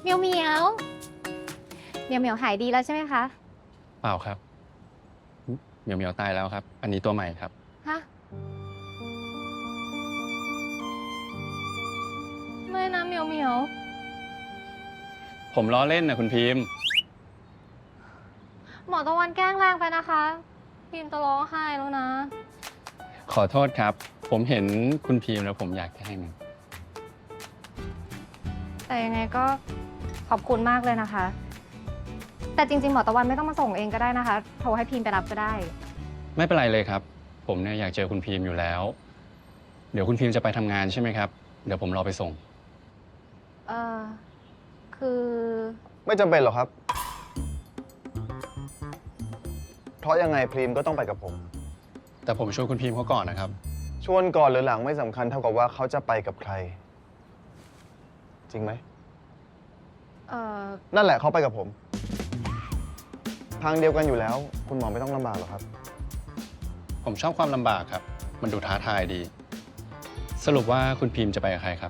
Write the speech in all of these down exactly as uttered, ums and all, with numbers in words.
เหมียวเหมียวเหมียวเหมียวหายดีแล้วใช่ไหมคะเปล่าครับเหมียวเหมียวตายแล้วครับ อันนี้ตัวใหม่ครับฮะ ไม่นะเหมียวเหมียวผมล้อเล่นนะคุณพิมพ์หมอตะวันแกล้งแรงไปนะคะพิมจะร้องไห้แล้วนะขอโทษครับ ผมเห็นคุณพิมพ์แล้วผมอยากแกล้งมันแต่ยังไงก็ขอบคุณมากเลยนะคะ แต่จริงๆหมอตะวันไม่ต้องมาส่งเองก็ได้นะคะ โทรให้พิมไปรับก็ได้ไม่เป็นไรเลยครับ ผมเนี่ยอยากเจอคุณพิมพ์อยู่แล้ว เดี๋ยวคุณพิมพ์จะไปทำงานใช่ไหมครับ เดี๋ยวผมรอไปส่งเออคือไม่จำเป็นหรอกครับ เพราะยังไงพรีมก็ต้องไปกับผมแต่ผมชวนคุณพิมพ์เขาก่อนนะครับชวนก่อนหรือหลังไม่สำคัญเท่ากับว่าเขาจะไปกับใคร จริงไหมเออนั่นแหละเขาไปกับผม ทางเดียวกันอยู่แล้ว คุณหมอไม่ต้องลำบากหรอกครับผมชอบความลำบากครับ มันดูท้าทายดี สรุปว่าคุณพิมพ์จะไปกับใครครับ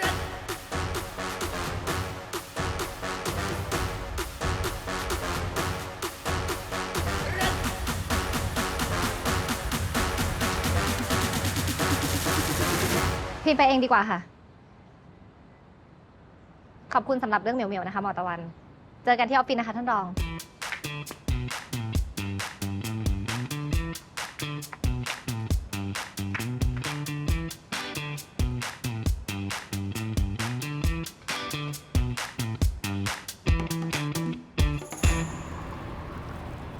พิมไปเองดีกว่าค่ะ ขอบคุณสำหรับเรื่องเหมียวๆนะคะหมอตะวัน เจอกันที่ออฟฟิศนะคะท่านรอง